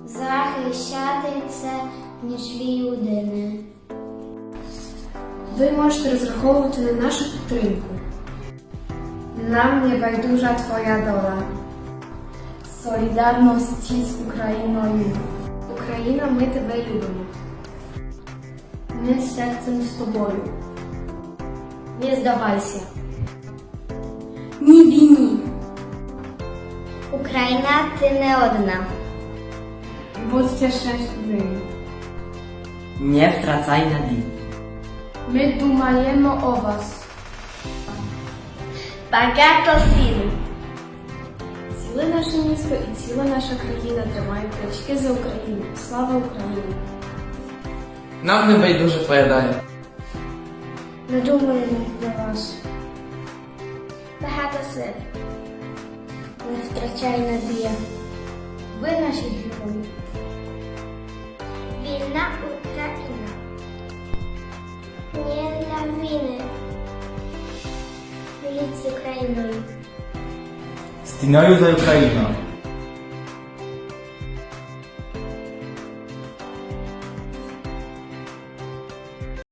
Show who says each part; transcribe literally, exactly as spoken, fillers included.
Speaker 1: захищати це нічлі людини.
Speaker 2: Ви можете розраховувати на нашу підтримку. Нам не байдужа твоя доля. Солідарності з Україною. Україна, ми тебе любимо. Ми серцем з тобою. Не здавайся. Ні війні.
Speaker 1: Україна, ти не одна.
Speaker 2: Будьте щасливі.
Speaker 3: Nie wtracaj nadii.
Speaker 2: Ми думаємо о вас.
Speaker 1: Багато сил.
Speaker 2: Ціле наше місто і ціла наша країна тримають плечки за Україну. Слава Україні!
Speaker 4: Нам не байдуже твоя доля.
Speaker 1: Ми думаємо про вас. Багато сил. Не втрачай надія. Ви наші герої. Вільна Україна. Не для війни. Міліть з Україною.
Speaker 5: Стіною за Україну.